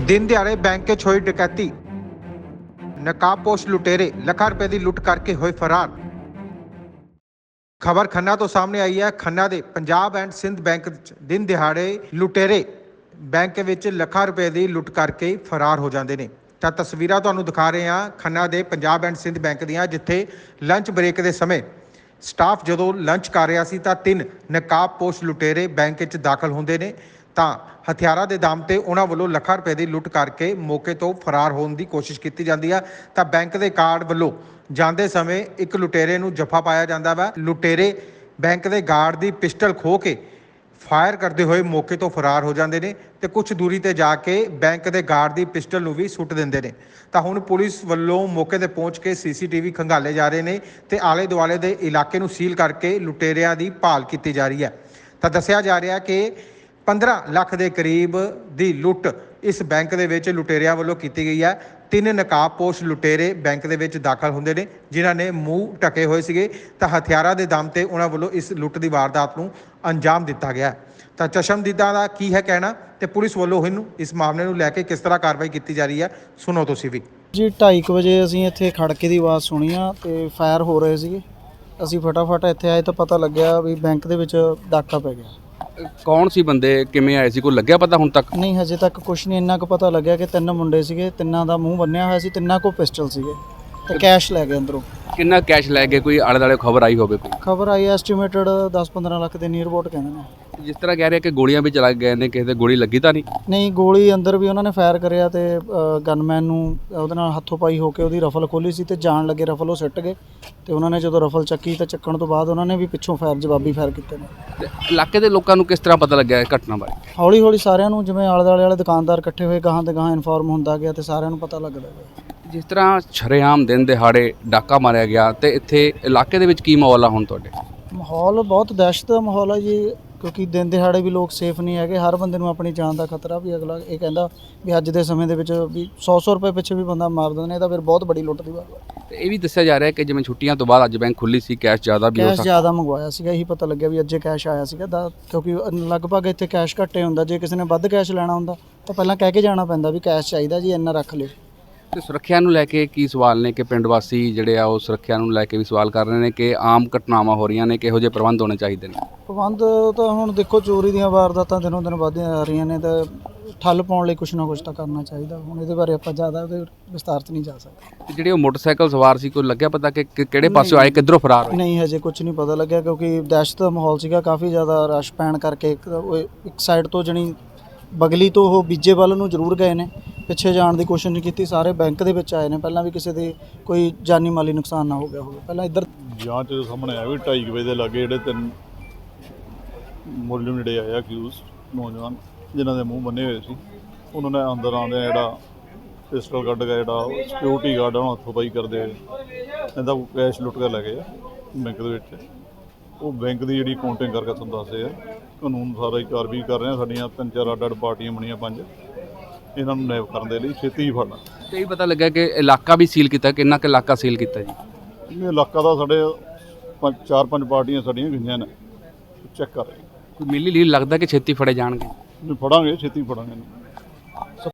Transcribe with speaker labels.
Speaker 1: दिन दिहाड़े बैंक च होई डकैती, नकाबपोश लुटेरे ਲੱਖਾਂ रुपए की लुट करके होए फरार। खबर खन्ना तो सामने आई है। खन्ना ਦੇ पंजाब एंड सिंध बैंक दिन दिहाड़े लुटेरे बैंक ਵਿੱਚ ਲੱਖਾਂ रुपए की लुट करके फरार हो जाते हैं। ਤਾਂ ਤਸਵੀਰਾਂ ਤੁਹਾਨੂੰ ਦਿਖਾ ਰਹੇ ਹਾਂ ਖੰਨਾ ਦੇ ਪੰਜਾਬ ਐਂਡ ਸਿੰਧ ਬੈਂਕ ਦੀਆਂ, ਜਿੱਥੇ ਲੰਚ ਬ੍ਰੇਕ ਦੇ ਸਮੇਂ ਸਟਾਫ ਜਦੋਂ ਲੰਚ ਕਰ ਰਿਹਾ ਸੀ ਤਾਂ 3 ਨਕਾਬਪੋਸ਼ ਲੁਟੇਰੇ ਬੈਂਕ ਵਿੱਚ ਦਾਖਲ ਹੁੰਦੇ ਨੇ। ਤਾਂ ਹਥਿਆਰਾਂ ਦੇ ਦਮ ਤੇ ਉਹਨਾਂ ਵੱਲੋਂ ਲੱਖਾਂ ਰੁਪਏ ਦੀ ਲੁੱਟ ਕਰਕੇ ਮੌਕੇ ਤੋਂ ਫਰਾਰ ਹੋਣ ਦੀ ਕੋਸ਼ਿਸ਼ ਕੀਤੀ ਜਾਂਦੀ ਆ। ਤਾਂ ਬੈਂਕ ਦੇ ਗਾਰਡ ਵੱਲੋਂ ਜਾਂਦੇ ਸਮੇਂ ਇੱਕ ਲੁਟੇਰੇ ਨੂੰ ਜੱਫਾ ਪਾਇਆ ਜਾਂਦਾ ਵਾ। ਲੁਟੇਰੇ ਬੈਂਕ ਦੇ ਗਾਰਡ ਦੀ ਪਿਸਟਲ ਖੋਹ ਕੇ ਫਾਇਰ ਕਰਦੇ ਹੋਏ ਮੌਕੇ ਤੋਂ ਫਰਾਰ ਹੋ ਜਾਂਦੇ ਨੇ ਤੇ ਕੁਝ ਦੂਰੀ ਤੇ ਜਾ ਕੇ ਬੈਂਕ ਦੇ ਗਾਰਡ ਦੀ ਪਿਸਟਲ ਨੂੰ ਵੀ ਸੁੱਟ ਦਿੰਦੇ ਨੇ। ਤਾਂ ਹੁਣ ਪੁਲਿਸ ਵੱਲੋਂ ਮੌਕੇ ਤੇ ਪਹੁੰਚ ਕੇ ਸੀਸੀਟੀਵੀ ਖੰਗਾਲੇ ਜਾ ਰਹੇ ਨੇ ਤੇ ਆਲੇ ਦੁਆਲੇ ਦੇ ਇਲਾਕੇ ਨੂੰ ਸੀਲ ਕਰਕੇ ਲੁਟੇਰਿਆਂ ਦੀ ਭਾਲ ਕੀਤੀ ਜਾ ਰਹੀ ਹੈ। ਤਾਂ ਦੱਸਿਆ ਜਾ ਰਿਹਾ ਕਿ 15 ਲੱਖ ਦੇ ਕਰੀਬ ਦੀ ਲੁੱਟ ਇਸ ਬੈਂਕ ਦੇ ਵਿੱਚ ਲੁਟੇਰਿਆਂ ਵੱਲੋਂ ਕੀਤੀ ਗਈ ਹੈ। 3 ਨਕਾਬਪੋਸ਼ ਲੁਟੇਰੇ ਬੈਂਕ ਦੇ ਵਿੱਚ ਦਾਖਲ ਹੁੰਦੇ ਨੇ, ਜਿਨ੍ਹਾਂ ਨੇ ਮੂੰਹ ਢਕੇ ਹੋਏ ਸੀਗੇ। ਤਾਂ ਹਥਿਆਰਾਂ ਦੇ ਦਮ ਤੇ ਉਹਨਾਂ ਵੱਲੋਂ ਇਸ ਲੁੱਟ ਦੀ ਵਾਰਦਾਤ ਨੂੰ ਅੰਜਾਮ ਦਿੱਤਾ ਗਿਆ। ਤਾਂ ਚਸ਼ਮਦੀਦਾਂ ਦਾ ਕੀ ਹੈ ਕਹਿਣਾ ਤੇ ਪੁਲਿਸ ਵੱਲੋਂ ਇਹਨੂੰ ਇਸ ਮਾਮਲੇ ਨੂੰ ਲੈ ਕੇ ਕਿਸ ਤਰ੍ਹਾਂ ਕਾਰਵਾਈ ਕੀਤੀ ਜਾ ਰਹੀ ਹੈ, ਸੁਣੋ ਤੁਸੀਂ ਵੀ।
Speaker 2: ਜੀ 2:30 ਵਜੇ ਅਸੀਂ ਇੱਥੇ ਖੜਕੇ ਦੀ ਆਵਾਜ਼ ਸੁਣੀ ਆ ਤੇ ਫਾਇਰ ਹੋ ਰਹੇ ਸੀਗੇ। ਅਸੀਂ ਫਟਾਫਟ ਇੱਥੇ ਆਏ ਤਾਂ ਪਤਾ ਲੱਗਿਆ ਵੀ ਬੈਂਕ ਦੇ ਵਿੱਚ ਡਾਕਾ ਪੈ ਗਿਆ।
Speaker 3: ਕੌਣ ਸੀ ਬੰਦੇ, ਕਿਵੇਂ ਆਏ ਸੀ, ਕੋਈ ਲੱਗਿਆ ਪਤਾ ਹੁਣ ਤੱਕ?
Speaker 2: ਨਹੀਂ, ਹਜੇ ਤੱਕ ਕੁਝ ਨਹੀਂ। ਇੰਨਾ ਕੁ ਪਤਾ ਲੱਗਿਆ ਕਿ 3 ਮੁੰਡੇ ਸੀਗੇ, ਤਿੰਨਾਂ ਦਾ ਮੂੰਹ ਬੰਨਿਆ ਹੋਇਆ ਸੀ, ਤਿੰਨਾਂ ਕੋਲ ਪਿਸਟਲ ਸੀਗੇ ਤੇ ਕੈਸ਼ ਲੈ ਗਏ ਅੰਦਰੋਂ।
Speaker 3: ਕਿੰਨਾ ਕੈਸ਼ ਲੈ ਗਏ? ਕੋਈ ਆਲੇ ਦੁਆਲੇ ਖਬਰ ਆਈ ਹੋਵੇ? ਕੋਈ
Speaker 2: ਖਬਰ ਆਈ ਐਸਟੀਮੇਟਡ 10-15 ਲੱਖ ਦੇ ਨੀਅਰ ਅਬਾਊਟ ਕਹਿੰਦੇ ਨੇ।
Speaker 3: ਜਿਸ ਤਰ੍ਹਾਂ ਕਹਿ ਰਿਹਾ ਕਿ ਗੋਲੀਆਂ ਵੀ ਚਲਾ ਗਏ ਨੇ, ਕਿਸੇ ਦੇ ਗੋਲੀ ਲੱਗੀ ਤਾਂ ਨਹੀਂ?
Speaker 2: ਨਹੀਂ, ਗੋਲੀ ਅੰਦਰ ਵੀ ਉਹਨਾਂ ਨੇ ਫਾਇਰ ਕਰਿਆ ਤੇ ਗਨਮੈਨ ਨੂੰ ਉਹਦੇ ਨਾਲ ਹੱਥੋਂ ਪਾਈ ਹੋ ਕੇ ਉਹਦੀ ਰਫਲ ਖੋਲੀ ਸੀ ਤੇ ਜਾਣ ਲੱਗੇ ਰਫਲ ਉਹ ਸਿੱਟ ਗਏ ਤੇ ਉਹਨਾਂ ਨੇ ਜਦੋਂ ਰਫਲ ਚੱਕੀ ਤਾਂ ਚੱਕਣ ਤੋਂ ਬਾਅਦ ਉਹਨਾਂ ਨੇ ਵੀ ਪਿੱਛੋਂ ਜਵਾਬੀ ਫਾਇਰ ਕੀਤੇ ਨੇ।
Speaker 3: ਤੇ ਇਲਾਕੇ ਦੇ ਲੋਕਾਂ ਨੂੰ ਕਿਸ ਤਰ੍ਹਾਂ ਪਤਾ ਲੱਗਿਆ ਇਹ ਘਟਨਾ ਬਾਰੇ?
Speaker 2: ਹੌਲੀ ਹੌਲੀ ਸਾਰਿਆਂ ਨੂੰ, ਜਿਵੇਂ ਆਲੇ ਦੁਆਲੇ ਵਾਲੇ ਦੁਕਾਨਦਾਰ ਇਕੱਠੇ ਹੋਏ, ਗਾਹਾਂ ਤੇ ਗਾਹਾਂ ਇਨਫੋਰਮ ਹੁੰਦਾ ਗਿਆ ਤੇ ਸਾਰਿਆਂ ਨੂੰ ਪਤਾ ਲੱਗਦਾ ਗਿਆ।
Speaker 3: ਜਿਸ ਤਰ੍ਹਾਂ ਸ਼ਰੇਆਮ ਦਿਨ ਦਿਹਾੜੇ ਡਾਕਾ ਮਾਰਿਆ ਗਿਆ ਤੇ ਇੱਥੇ ਇਲਾਕੇ ਦੇ ਵਿੱਚ ਕੀ ਮਾਹੌਲ ਆ ਹੁਣ ਤੁਹਾਡੇ? ਮਾਹੌਲ
Speaker 2: ਬਹੁਤ ਦਹਿਸ਼ਤ ਦਾ ਮਾਹੌਲ ਹੈ ਜੀ, ਕਿਉਂਕਿ ਦਿਨ ਦਿਹਾੜੇ ਵੀ ਲੋਕ ਸੇਫ ਨਹੀਂ ਹੈਗੇ। ਹਰ ਬੰਦੇ ਨੂੰ ਆਪਣੀ ਜਾਨ ਦਾ ਖਤਰਾ ਵੀ। ਅਗਲਾ ਇਹ ਕਹਿੰਦਾ ਵੀ ਅੱਜ ਦੇ ਸਮੇਂ ਦੇ ਵਿੱਚ ਵੀ 100 ਰੁਪਏ ਪਿੱਛੇ ਵੀ ਬੰਦਾ ਮਾਰ ਦਿੰਦੇ ਨੇ, ਤਾਂ ਫਿਰ ਬਹੁਤ ਬੜੀ ਲੁੱਟ ਦੀ ਗੱਲ ਹੈ।
Speaker 3: ਤੇ ਇਹ ਵੀ ਦੱਸਿਆ ਜਾ ਰਿਹਾ ਕਿ ਜਿਵੇਂ ਛੁੱਟੀਆਂ ਤੋਂ ਬਾਅਦ ਅੱਜ ਬੈਂਕ ਖੁੱਲੀ ਸੀ, ਕੈਸ਼ ਜ਼ਿਆਦਾ ਵੀ ਹੋ ਸਕਦਾ।
Speaker 2: ਕੈਸ਼ ਜ਼ਿਆਦਾ ਮੰਗਵਾਇਆ ਸੀਗਾ, ਇਹੀ ਪਤਾ ਲੱਗਿਆ ਵੀ ਅੱਜੇ ਕੈਸ਼ ਆਇਆ ਸੀਗਾ ਕਿਉਂਕਿ ਲਗਭਗ ਇੱਥੇ ਕੈਸ਼ ਘੱਟੇ ਹੁੰਦਾ। ਜੇ ਕਿਸੇ ਨੇ ਵੱਧ ਕੈਸ਼ ਲੈਣਾ ਹੁੰਦਾ ਤਾਂ ਪਹਿਲਾਂ ਕਹਿ ਕੇ ਜਾਣਾ ਪੈਂਦਾ ਵੀ ਕੈਸ਼ ਚਾਹੀਦਾ ਜੀ, ਇੰਨਾ ਰੱਖ ਲਿਓ।
Speaker 3: ਤੇ ਸੁਰੱਖਿਆ ਨੂੰ ਲੈ ਕੇ ਕੀ ਸਵਾਲ ਨੇ ਕਿ ਪਿੰਡ ਵਾਸੀ ਜਿਹੜੇ ਆ ਉਹ ਸੁਰੱਖਿਆ ਨੂੰ ਲੈ ਕੇ ਵੀ ਸਵਾਲ ਕਰ ਰਹੇ ਨੇ ਕਿ ਆਮ ਘਟਨਾਵਾਂ ਹੋ ਰਹੀਆਂ ਨੇ, ਕਿਹੋ ਜਿਹੇ ਪ੍ਰਬੰਧ ਹੋਣੇ ਚਾਹੀਦੇ ਨੇ?
Speaker 2: ਪ੍ਰਬੰਧ ਤਾਂ ਹੁਣ ਦੇਖੋ, ਚੋਰੀ ਦੀਆਂ ਵਾਰਦਾਤਾਂ ਦਿਨੋਂ ਦਿਨ ਵੱਧਦੀਆਂ ਜਾ ਰਹੀਆਂ ਨੇ ਤਾਂ ਠੱਲ ਪਾਉਣ ਲਈ ਕੁਛ ਨਾ ਕੁਛ ਤਾਂ ਕਰਨਾ ਚਾਹੀਦਾ। ਹੁਣ ਇਹਦੇ ਬਾਰੇ ਆਪਾਂ ਜ਼ਿਆਦਾ ਉਹਦੇ ਵਿਸਤਾਰ 'ਚ ਨਹੀਂ ਜਾ ਸਕਦੇ।
Speaker 3: ਜਿਹੜੇ ਉਹ ਮੋਟਰਸਾਈਕਲ ਸਵਾਰ ਸੀ, ਕੋਈ ਲੱਗਿਆ ਪਤਾ ਕਿ ਕਿਹੜੇ ਪਾਸੋਂ ਆਏ, ਕਿੱਧਰੋਂ ਫਰਾਰ ਹੋਏ?
Speaker 2: ਨਹੀਂ, ਹਜੇ ਕੁਝ ਨਹੀਂ ਪਤਾ ਲੱਗਿਆ ਕਿਉਂਕਿ ਦਹਿਸ਼ਤ ਦਾ ਮਾਹੌਲ ਸੀਗਾ, ਕਾਫੀ ਜ਼ਿਆਦਾ ਰਸ਼ ਪੈਣ ਕਰਕੇ। ਇੱਕ ਸਾਈਡ ਤੋਂ ਜਣੀ ਬਗਲੀ ਤੋਂ ਉਹ ਬੀਜੇ ਵੱਲ ਨੂੰ ਜ਼ਰੂਰ ਗਏ ਨੇ, ਪਿੱਛੇ ਜਾਣ ਦੀ ਕੋਸ਼ਿਸ਼ ਨਹੀਂ ਕੀਤੀ। ਸਾਰੇ ਬੈਂਕ ਦੇ ਵਿੱਚ ਆਏ ਨੇ, ਪਹਿਲਾਂ ਵੀ ਕਿਸੇ ਦੇ ਕੋਈ ਜਾਨੀ ਮਾਲੀ ਨੁਕਸਾਨ ਨਾ ਹੋ ਗਿਆ ਹੋਵੇ। ਪਹਿਲਾਂ ਇੱਧਰ
Speaker 4: ਜਾਂਚ ਦੇ ਸਾਹਮਣੇ ਆਇਆ ਵੀ 2:30 ਵਜੇ ਦੇ ਲਾਗੇ ਜਿਹੜੇ 3 ਮੁਲਜ਼ਮ ਜਿਹੜੇ ਆਏ ਅਕਿਊਜ਼ ਨੌਜਵਾਨ, ਜਿਨ੍ਹਾਂ ਦੇ ਮੂੰਹ ਬੰਨੇ ਹੋਏ ਸੀ, ਉਹਨਾਂ ਨੇ ਅੰਦਰ ਆਉਂਦੇ ਜਿਹੜਾ ਪਿਸਟਲ ਕੱਢ ਕੇ ਜਿਹੜਾ ਸਿਕਿਉਰਿਟੀ ਗਾਰਡ ਉਹਨੂੰ ਹੱਥੋਂ ਪਾਈ ਕਰਦੇ ਹੋਏ ਇਹਦਾ ਕੈਸ਼ ਲੁੱਟ ਕੇ ਲੈ ਗਏ ਬੈਂਕ ਦੇ ਵਿੱਚ। ਉਹ ਬੈਂਕ ਦੀ ਜਿਹੜੀ ਕਾਊਂਟਿੰਗ ਕਰਕੇ ਤੁਹਾਨੂੰ ਦੱਸਦੇ ਆ, ਕਾਨੂੰਨ ਸਾਰਾ ਹੀ ਕਾਰਵਾਈ ਕਰ ਰਹੇ ਆ। ਸਾਡੀਆਂ 3-4 ਅੱਡ-ਅੱਡ ਪਾਰਟੀਆਂ ਬਣੀਆਂ, 5, ਇਹਨਾਂ ਨੂੰ ਨੈਬ ਕਰਨ ਦੇ ਲਈ ਛੇਤੀ ਹੀ ਫੜਨਾ।
Speaker 3: ਤੇ ਇਹ ਪਤਾ ਲੱਗਾ ਕਿ ਇਲਾਕਾ ਵੀ ਸੀਲ ਕੀਤਾ, ਕਿੰਨਾ ਕੁ ਇਲਾਕਾ ਸੀਲ ਕੀਤਾ ਜੀ?
Speaker 4: ਇਹ ਇਲਾਕਾ ਦਾ ਸਾਡੇ 4-5 ਪਾਰਟੀਆਂ ਸਾਡੀਆਂ ਗਈਆਂ ਨੇ, ਚੈੱਕ ਕਰ ਰਹੇ।
Speaker 3: ਕੋਈ ਮਿਲੀ ਲੀਲ ਲੱਗਦਾ ਕਿ ਛੇਤੀ ਫੜੇ ਜਾਣਗੇ?
Speaker 4: ਫੜਾਂਗੇ, ਛੇਤੀ ਫੜਾਂਗੇ।